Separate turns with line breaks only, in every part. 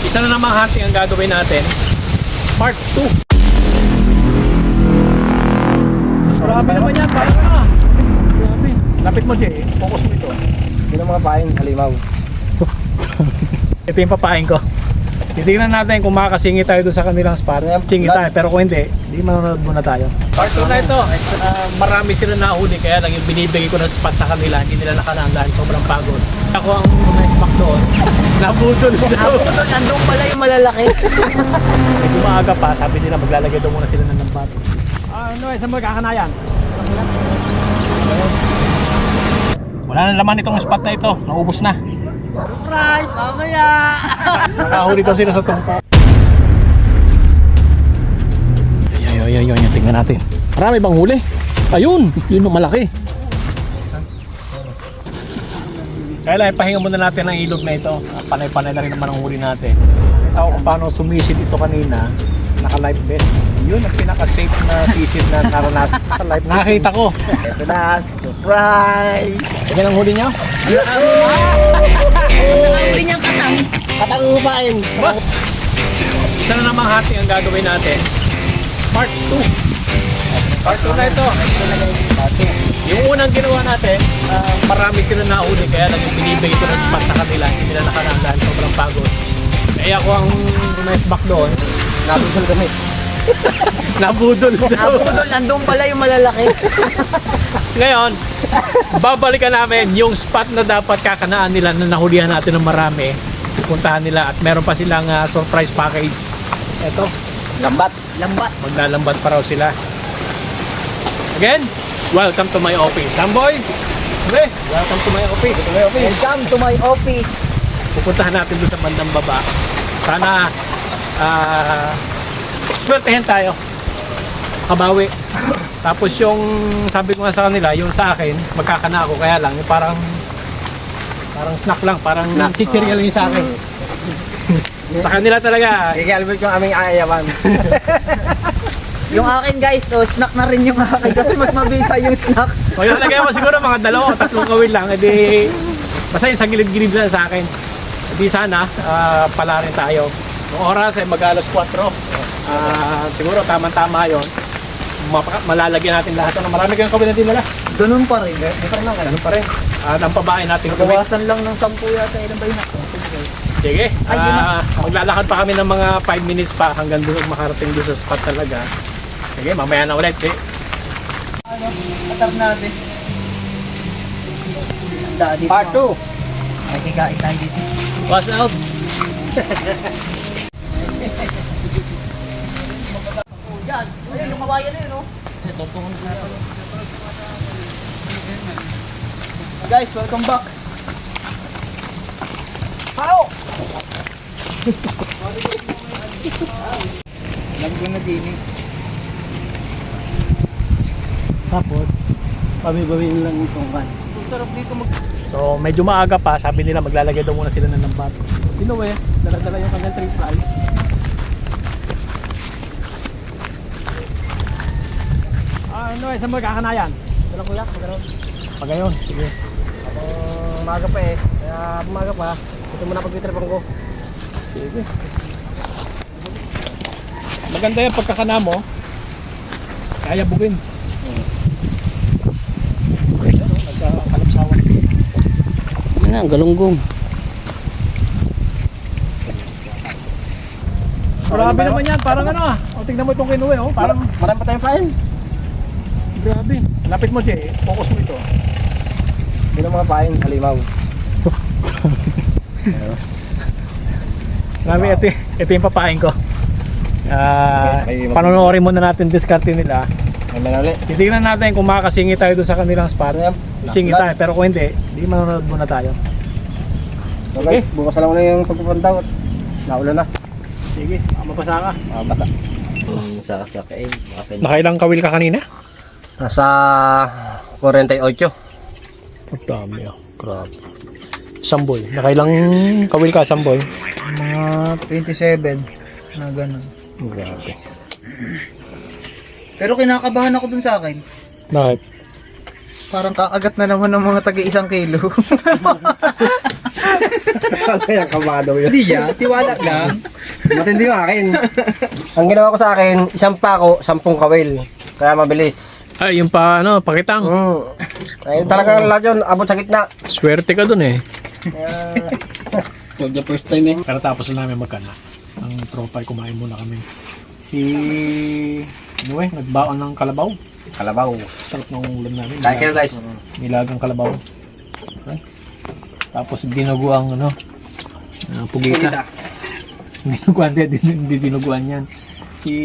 Isa na namang hunting ang gagawin natin. Part 2. Grabe naman yan, parang grabe. Lapit mo, Jay. Focus mo ito.
Yun ang mga pain, halimaw.
Ito yung papain ko. Titignan natin kung makakasingi tayo doon sa kanilang spot. Singi tayo, pero kung hindi, manonood muna tayo. Part 2 na ito. Marami sila nahuli, kaya lang yung binibigay ko ng spot sa kanila, hindi nila nakanaan dahil sobrang pagod. Ako ang umespak doon. Nabudol daw.
Nandun pala yung malalaki.
Medyo maaga pa, sabi nila maglalagay daw muna sila ng lambat. Ano eh, saan magkakanayan? Wala na laman itong spot na ito, naubos na.
Surprise! Mamaya!
Nakahuli daw sila sa tumpa. Ayun, tingnan natin. Marami bang huli? Ayun, yun yung malaki. Kaya lang, ipahinga muna natin ang ilog na ito. Panay-panay na rin naman ang huli natin. Nakita ko kung paano sumisid ito kanina. Naka-life vest. Yun ang pinaka-safe na sisid na naranasan sa life vest. Nakakita ko. Ito na, surprise! Yan ang huli niyo?
Nakahuli niyang katang. Katang upain.
Isa na namang hunting ang gagawin natin. Part 2. Part 2 na ito. Yung unang ginawa natin, marami sila nahuli, kaya lang yung binibigay ko ng spot sa kanila, hindi nila nakanaan dahil sobrang pagod. Kaya ako ang rumesback doon.
Nabudol kami.
Nabudol daw.
Nabudol, nandun pala yung malalaki.
Ngayon, babalikan namin yung spot na dapat kakanaan nila na nahulihan natin ng marami. Puntahan nila at meron pa silang surprise package. Ito,
Lambat. Lambat.
maglalambat pa raw sila. Again, welcome to my office. Samboy, okay, welcome to my office.
Welcome to my office.
Pupuntahan natin doon sa bandang baba. Sana swertehin tayo. Kabawi. Tapos yung sabi ko nga sa kanila, yung sa akin, magkakana ako, kaya lang yung parang snack lang, parang chichirya lang yung sa akin. Sa kanila talaga.
Ikalbit yung aming ayawan. Yung akin guys, so snack na rin yung akin kasi mas mabisa yung snack.
Kung nalagay mo siguro mga 2 o 3 kawin lang, edi basta yung sa gilid-gilid lang sa akin. Edi sana pala rin tayo. Yung oras ay mag-alas 4. Siguro tamang-tama yun. Malalagyan natin lahat. Marami kayong kawin natin nila.
Ganun pa rin.
Ganun pa rin. Ang pabain natin kawin.
Bawasan lang ng 10 yata. Ilan ba yun ako?
Sige. Maglalakad pa kami ng mga 5 minutes pa hanggang doon makarating doon sa spot talaga. Sige, mamaya na ulit.
Ano? Atar natin.
Part 2.
Ay, kikain tayo dito.
Watch out.
Yan. Ayun, yung kawayan na yun, no? Guys, welcome back. Pao! Alam ko na din eh.
Tapos, pabibawin lang itong kan.
Sarap dito mag...
So, medyo maaga pa. Sabi nila maglalagay daw muna sila ng lambat. Sino eh? Dala-dala yung kanyang tree fly. Ano eh? Saan magkakanayan?
Dala ko yak, magkaroon.
Pagayon, sige.
Umaga pa eh. Kaya umaga pa. Ito muna pag-tripan ko.
Sige. Maganda yung pagkakana mo. Kaya bugin. Nagkakalapsawan.
Yan na, ang galunggong.
Grabe naman yan. Parang ano ah. O, tignan mo itong kinuwi oh. Parang
Marami pa tayong pain.
grabe. Lapit mo, Jay. Focus mo ito.
Yun ang mga pain, halimaw.
Grabe, ito yung papain ko. Panonorin muna natin diskarte nila. Titignan natin kung makakasingi tayo doon sa kanilang spot. Singi tayo, pero kung hindi, manonood muna tayo.
So guys, bukas lang na yung pagpupunta. Naulan na.
Sige, mabasa ka.
Basa. Sa kain.
Nakailang kawil ka kanina?
Nasa 48.
Ang dami ah, grabe. Samboy, nakailang kawil ka, Samboy?
Mga 27 na gano'n.
Grabe.
Pero kinakabahan ako dun sa akin.
Bakit?
Parang kakagat na naman ng mga taga 1 kilo.
Kaya kabado yun.
Hindi ya, tiwala lang.
Matindi yung akin. Ang ginawa ko sa akin, isang pako, 10 kawil. Kaya mabilis.
Ay, yung pa, ano, pakitang.
Ay, talagang lahat yun, abot sa gitna.
Swerte ka dun eh.
For the first time eh.
Pero tapos na namin magkana. Ang tropa ay kumain muna kami. Si... Ano eh, nagbaon ng kalabaw.
Kalabaw.
Sarap ng ulam namin.
Kaya kayo guys.
Nilagang kalabaw. Okay. Tapos dinuguan ano, pugita. Dinuguan din, hindi dinuguan yan. Si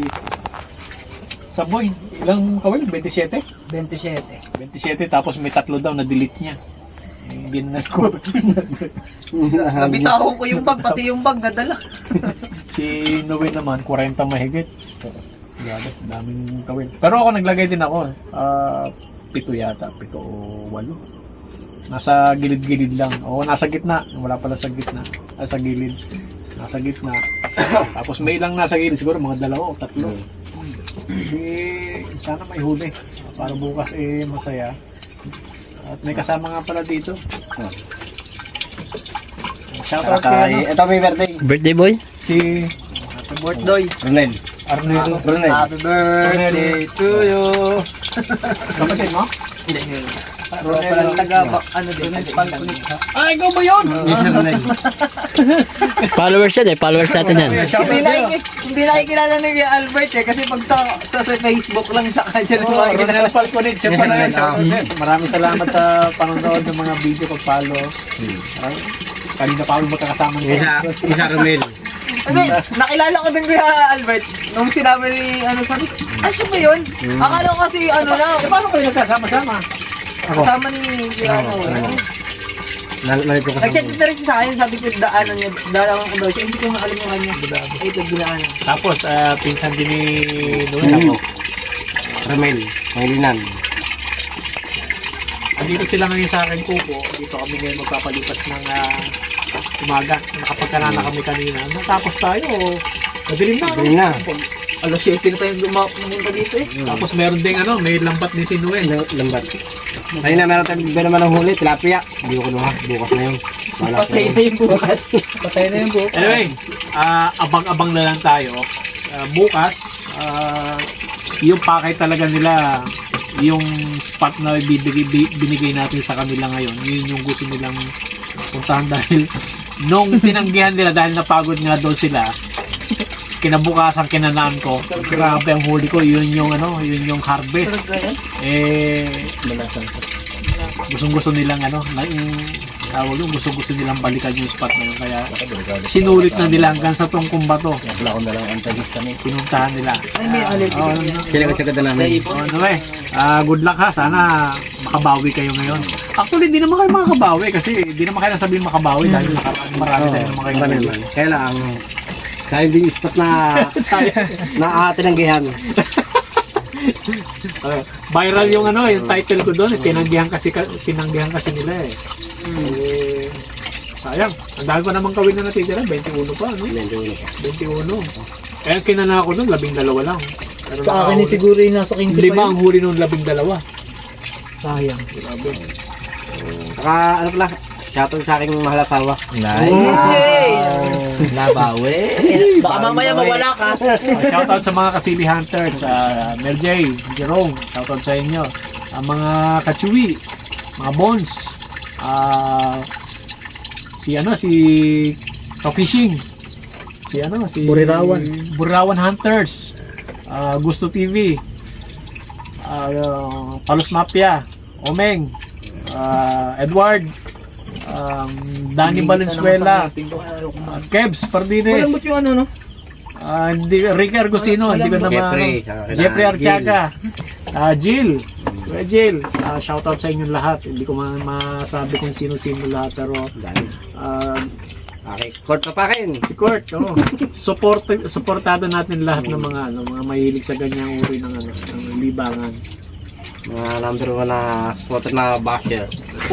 Saboy, ilang kawil? 27?
27.
27 tapos may 3 daw na delete niya. Hindi na ko.
Nabitaho ko yung bag, pati yung bag nadala.
Si Noe naman 40 mahigit. Grabe, daming kawil. Pero ako naglagay din ako. 7 yata, 7 o 8. Nasa gilid-gilid lang. Oo, nasa gitna. Wala pala sa gitna. Sa gilid. Nasa gitna. Tapos may ilang nasa gilid. Siguro mga 2 o 3. Sana may huli. Para bukas masaya. At may kasama nga pala dito. Shoutout kay
Ito may birthday.
Birthday boy?
si
Birthday.
Brunel.
Arnel.
Brunel.
Happy birthday to you.
Kapatid mo?
Parang taga, ano din, palpunit ha.
Ah, ikaw ba yun?
Followers yan eh, followers natin yan.
Hindi nakikilala ni Kuya Albert eh, kasi pag sa Facebook lang sa kanya
Oo, Ronel Falconet, siya pala yan. Maraming salamat sa panonood ng mga video pag-follow. Kanina pa ako magkakasama nito.
Isa Romel.
Hindi, nakilala ko din Kuya Albert. Nung sinabi ni, sabi ko, siya ba yun? Akala ko kasi,
Paano kayo nagkasama-sama?
kasama ni Kuya
Nalit ko
Nag-chat na rin siya sa akin, sabi ko, daanan ko daw siya. Hindi ko alam yung kanya. Ito, dinaanan.
Tapos, pinsan din ni Noel ako.
Romel. Pangilinan.
Andito sila ngayon sa akin kuko. Dito kami ngayon magpapalipas ng umaga. Nakapagkanana kami kanina. Natapos tayo. Madilim na.
Brunel na.
Alas 7 na tayo pumunta dito eh.
Tapos meron ding may lambat din si Noel.
Lambat. Ayun na, meron tayong bigyan naman ng huli, tilapia. Hindi ko kinuha, bukas na yun.
Patay na yung bukas. Patay na yung bukas.
Anyway, abang-abang na lang tayo. Bukas, yung pakay talaga nila, yung spot na binigay natin sa kanila ngayon, yun yung gusto nilang puntahan dahil nung tinanggihan nila dahil napagod nga daw sila, kinabukasan kinanaan ko, grabe ang huli ko, yun yung harvest. Gustong-gusto nilang gusto nilang balikan yung spot na yun, kaya sinulit na nila hanggang sa tong kumbato. Pinuntahan nila.
Ay, may alit.
Sila na namin.
Good luck ha, sana makabawi kayo ngayon. Actually, hindi naman kayo makakabawi kasi hindi naman kayo nasabihin makabawi dahil marami tayo naman kayo huli.
Kaya lang, dahil din yung spot na tinanggihan.
Viral yung yung title ko doon, tinanggihan kasi nila eh. Sayang, ang dahil pa naman kawin na natitira, 21 pa, no? 21. Kaya kinana ko doon, 12 lang. Pero
Sa akin eh siguro yung nasa 15
5 ang huli noon, 12. Sayang, grabe.
Saka, ano pala, shoutout sa aking mahal asawa.
Nabawi.
Baka mamaya mawala ka.
Shoutout sa mga Kasili Hunters, Mel J, Jerome, shoutout sa inyo. Ang mga Kachuwi, mga Bones, si Ka-Fishing, si Burirawan Hunters, Gusto TV, Palos Mafia, Omeng, Edward, Danny Valenzuela, Kebs Pardines,
Malambot yung no?
Ricky Argusino, hindi ko naman, Jeffrey Archaga, Jill, shoutout sa inyong lahat. Hindi ko masabi kung sino-sino lahat, pero
Okay, Kurt Papakin.
si Kurt, supportado natin lahat ng mga mahilig sa ganyang uri ng libangan.
Mga number 1 na supporter na basher.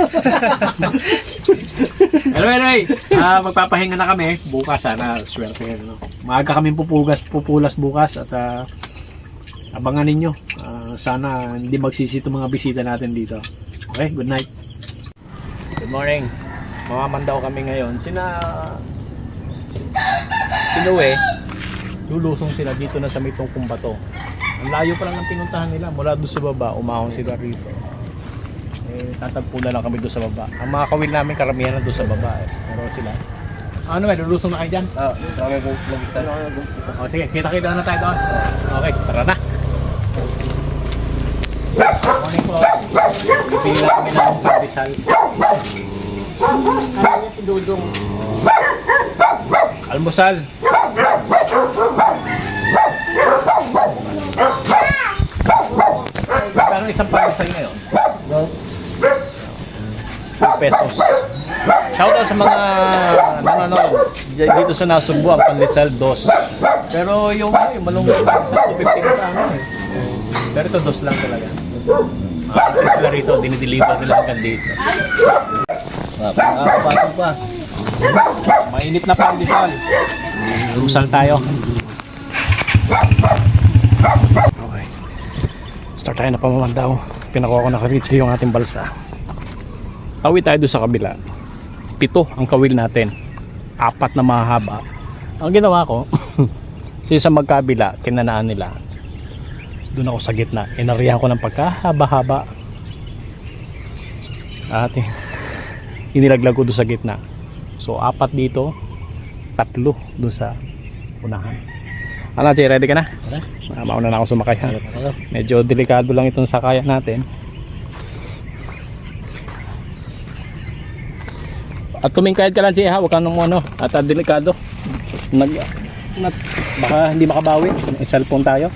Anyway, magpapahinga na kami bukas, sana swerte kayo. Maaga kami pupulas bukas at abangan ninyo. Sana hindi magsisi itong mga bisita natin dito. Okay, good night. Good morning. Mamamandaw kami ngayon. Sinuwe, lulusong sila dito na sa may tungkong bato. Ang layo pa lang ng pinuntahan nila. Mula doon sa baba, umahon sila rito. Tatagpo na lang kami doon sa baba. Ang mga kawil namin karamihan na doon sa baba. Pero sila, ano ba, lulusong na kayo dyan? O sige, kita-kita na tayo doon. Okay, tara na. Morning po. Bibigyan kami ng pandesal.
Ano niya si Dudong?
Almusal. Magkano isang pandesal ngayon? 2 pesos. Shoutout sa mga nanonood dito sa Nasugbu, ang pandesal 2. Pero yung malunggay pandesal 2.50 sa amin eh. Pero ito 2 lang talaga. Ito sila rito, dinideliver nila hanggang dito.
Papasok pa.
Mainit na pandesal. Almusal tayo. Okay. Start tayo na pamamandaw. Pinakuha ko na karitsa yung ating balsa. Awit tayo doon sa kabila. 7 ang kawil natin. 4 na mahaba. Ang ginawa ko, sa magkabila, kinanaan nila. Doon ako sa gitna. Inarihan ko ng pagkahaba-haba. At inilaglag ko doon sa gitna. So 4 dito, 3 doon sa unahan. Ano, Jay, ready ka na? Mauna na ako sumakay. Medyo delikado lang itong sakayan natin. At tumingkayad ka lang, Jay, ha? Huwag ka nung ano. At delikado. Baka hindi makabawi. May cellphone tayo.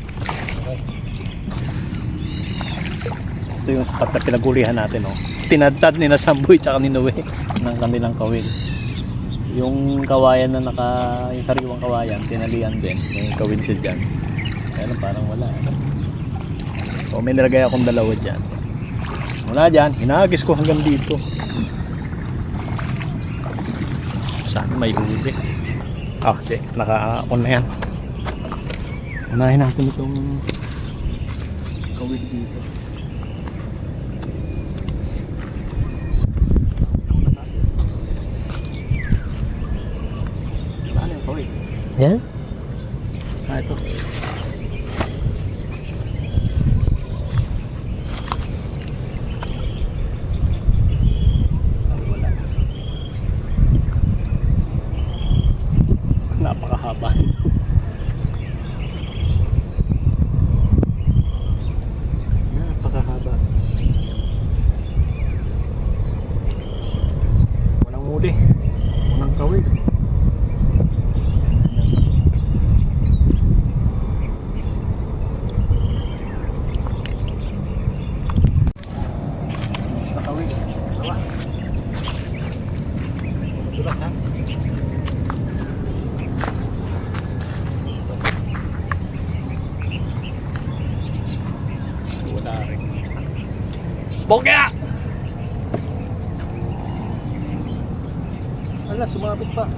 Ito yung spot na pinagulihan natin, oh. Tinadtad ni na Samboy tsaka ni Noe ng kanilang kawil. Yung kawayan na yung sariwang kawayan, tinalian din. May kawil siya dyan. Kaya lang parang wala. So may nilagay akong 2 dyan. Wala dyan, hinagis ko hanggang dito. Sana may huli. Okay, naka-on na yan. Unahin natin itong kawil dito.
Yan?
Ito. Wala. Napakahaba. Napakahaba. Walang muli. Walang kawil. Bongga! Wala, sumabit pa.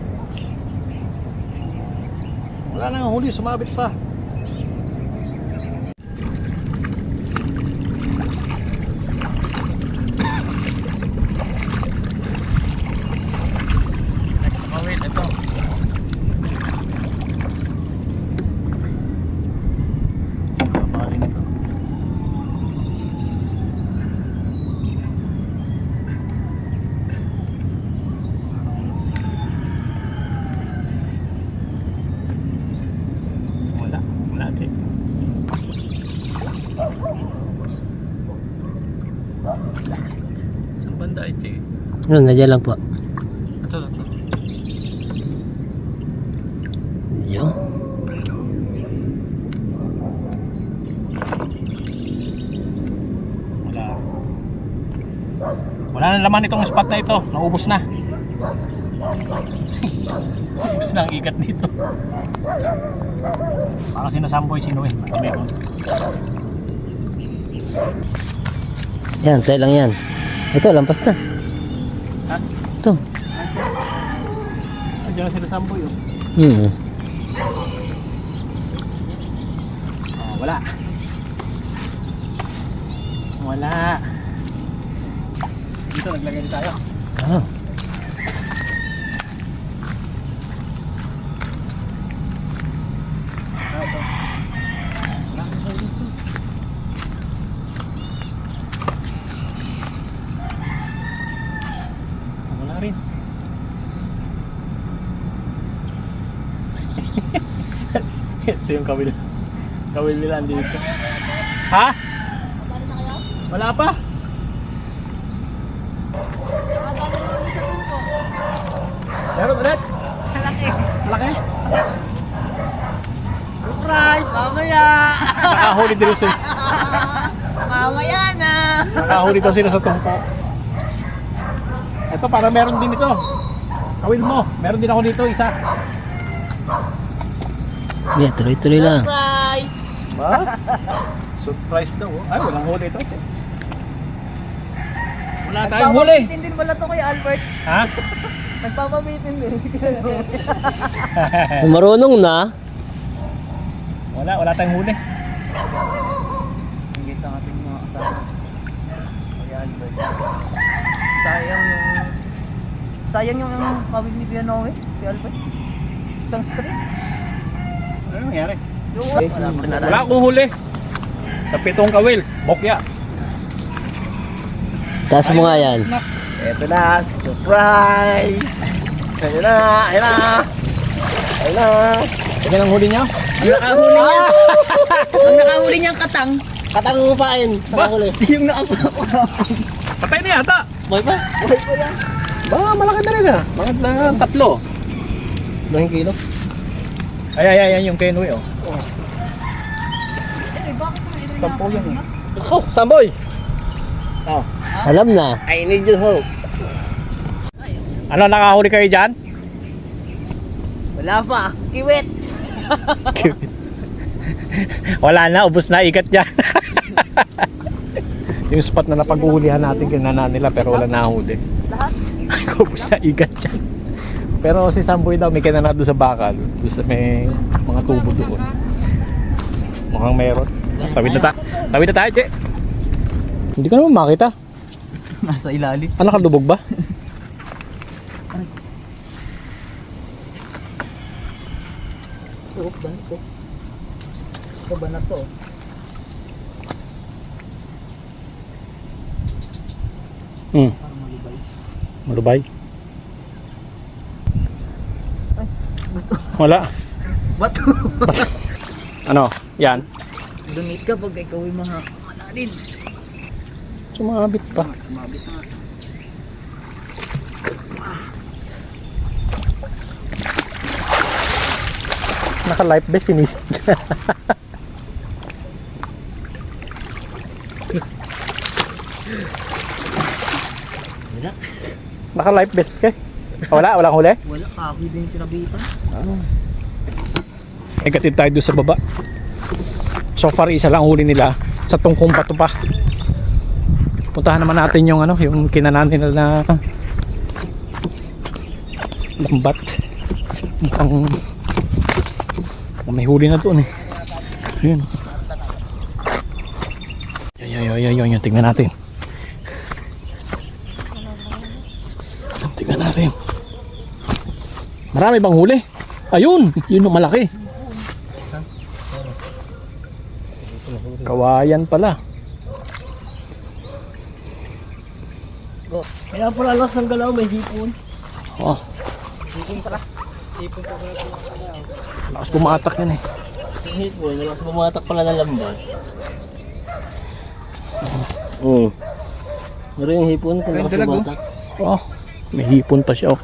Wala na nga huli, sumabit pa. Next kawin, ito. Pakalin ito. Saan banda ito eh?
Ano, nandiyan lang po.
Ito.
Yung?
Wala na laman itong spot na ito. Naubos na. Naubos na ang ikat dito. Baka sinasamboy sinuwi.
Yan, tayo lang yan. Ito, lampas na.
Ha?
Ito.
Diyan na sinasamboy oh. Wala. Wala. Dito naglagay din tayo.
Ah.
Wala rin. Ito yung kawil. Kawil nila dito. Ha? Wala pa? Meron ulit?
Malaki.
Malaki?
Surprise! Mamaya!
Nakahuli din sila.
Mamaya na!
Nakahuli daw sila sa tungko. Ito para meron din ito. Kawil mo. Meron din ako dito isa.
Yeah, tuloy-tuloy lang.
Surprise!
Ba? Surprise daw. Oh. Ay, walang huli ito. Wala tayong huli.
Nagpapabitin din pala to kay Albert.
Ha?
Nagpapabitin din.
Marunong na.
Wala tayong huli.
Hindi sa ating mga kasama. Kay Albert. Sayang yung kawil ni Vianoe. Kay Albert. Isang string.
Ano nangyari?
Wala
Wala akong huli. Sa 7 kawil. Bokya.
Taas mo nga yan.
Snack.
Ito na, surprise! Ayun na, ayun na! Ayun na!
Sige ang huli niya.
Ang nakahuli niya. Ang nakahuli niyang katang.
Katang upain, nakahuli.
Yung nakapako.
Patay na yata.
Boy pa?
Buhay pa yan.
Ba, malaki na rin ah. Mga 3.
2 kilo.
Ay, yung kenoy oh.
Eh, bakit mo ito
Sampo yan eh.
Oh, Samboy!
Alam na.
I need your help.
Ano, nakahuli kayo dyan?
Wala pa. Kiwit.
Wala na, ubos na, ikat dyan. Yung spot na napaghuhulihan natin, kinana nila pero wala nahuli.
Lahat?
Ubos na, ikat dyan. Pero si Samboy daw may kinana doon sa bakal. Doon sa may mga tubo doon. Mukhang meron. Tawid na tayo, che. Hindi ka naman makita.
Nasa ilalim.
Ano, nakalubog ba?
Ito, ba ito? Ito ba na to? Parang malibay.
Malubay. Wala.
Bato.
Ano? Yan.
Dumit ka pag ikaw ay mga malalim.
Sumabit pa.
Sumabit na.
Naka-life vest sinisig. Naka-life vest ka? Walang huli?
Wala, kahoy din sinabitan.
Igatid tayo doon sa baba. So far isa lang huli nila sa tungkong bato pa. Puntahan naman natin yung ano, yung kinanan nila na lambat. Mukhang may huli na doon eh. Ayun. Yan. Tingnan natin. Tingnan natin. Marami bang huli? Ayun, yun ang malaki. Kawayan pala.
Kaya pala alas ng galaw, may hipon.
Oh,
Hipon pala. Hipon pala.
lakas pumatak yan eh.
Hipon, alas bumatak pala ng lambat. Oo. Pero yung hipon, kung alas bumatak.
Oh, may hipon pa siya oh.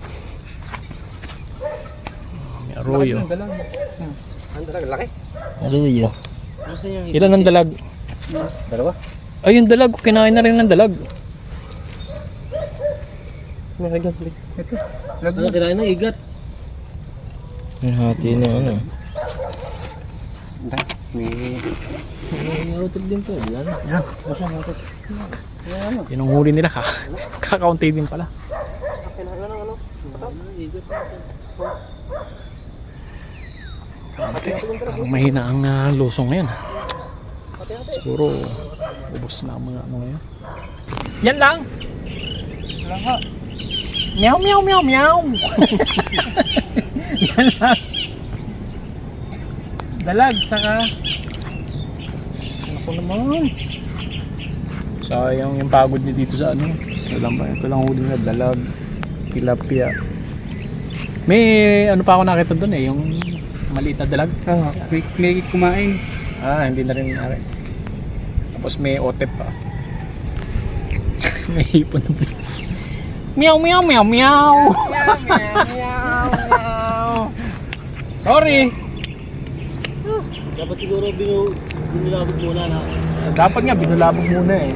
May arroyo.
Ang dalag, laki.
Ano yun?
Ilan ang dalag?
Dalawa.
Ay, yung dalag, kinain na rin ng dalag.
Nalagyan ulit. Ano kinain ng igat?
Yung hati na ano.
May utog din po. Yan.
Yan.
Masya utog.
Yun ang huli nila, kakaunti din pala. Parang mahina ang lusong ngayon. Siguro ubos na ang mga ano ngayon. Yan lang.
Wala nga.
Meow, meow, meow, meow. Yan lang. Dalag, saka... Ako naman. Sayang yung pagod niya dito sa ano. Ito lang huli na dalag. Tilapia. May ano pa ako nakita doon eh, yung maliit na dalag.
May kumain.
Hindi na rin ari. Tapos may otep pa. May hipon na. Meow, meow, meow, meow. Sorry.
Dapat siguro binulabog muna na.
Dapat nga binulabog muna eh.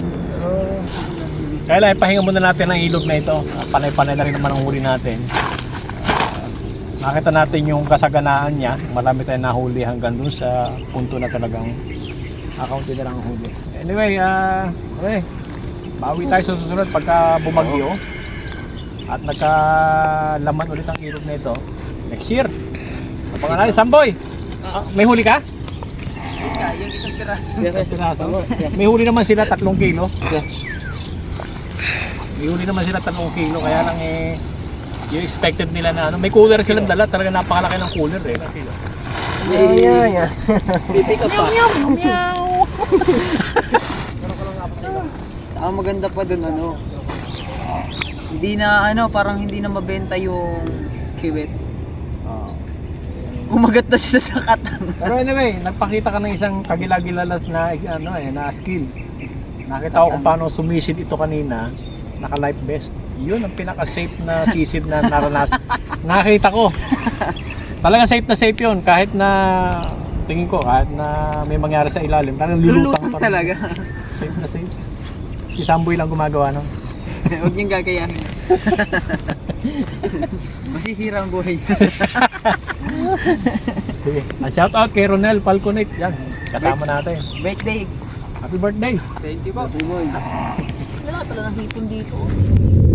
Kaya lang ipahinga muna natin ang ilog na ito. Panay-panay na rin naman ang huli natin. Nakita natin yung kasaganaan niya. Marami tayong nahuli hanggang dun sa punto na talagang akaunti na lang ang huli. Anyway, okay. Bawi tayo sa susunod pagka bumagyo at nagkalaman ulit ang ilog na ito next year. Pangalan ni Samboy. May huli ka?
Yung isang piraso.
Isang piraso. May huli naman sila 3 kilo. May huli naman sila 3 kilo kaya lang eh yung expected nila na ano, may cooler silang dala, talaga napakalaki ng cooler eh.
Yeah.
Pipick up pa.
Meow.
Ang maganda pa dun ano. Hindi na ano, parang hindi na mabenta yung kiwit. Umagat na siya sa katang.
Pero anyway, nagpakita ka ng isang kagilagilalas na ano na skill. Nakita ko kung paano sumisid ito kanina, naka life vest. Yun ang pinaka-safe na sisid na naranasan. Nakita ko. Talagang safe na safe yun kahit na tingin ko kahit na may mangyari sa ilalim, talagang lulutang pa rin.
Talaga.
Safe na safe. Si Samboy lang gumagawa nun.
Huwag niyang gagayahin. Masisira ang buhay.
Sige. Shout out kay Ronel Falconet. Yan, kasama natin.
Birthday.
Happy birthday.
Thank you po. Wala pala ng hipon dito.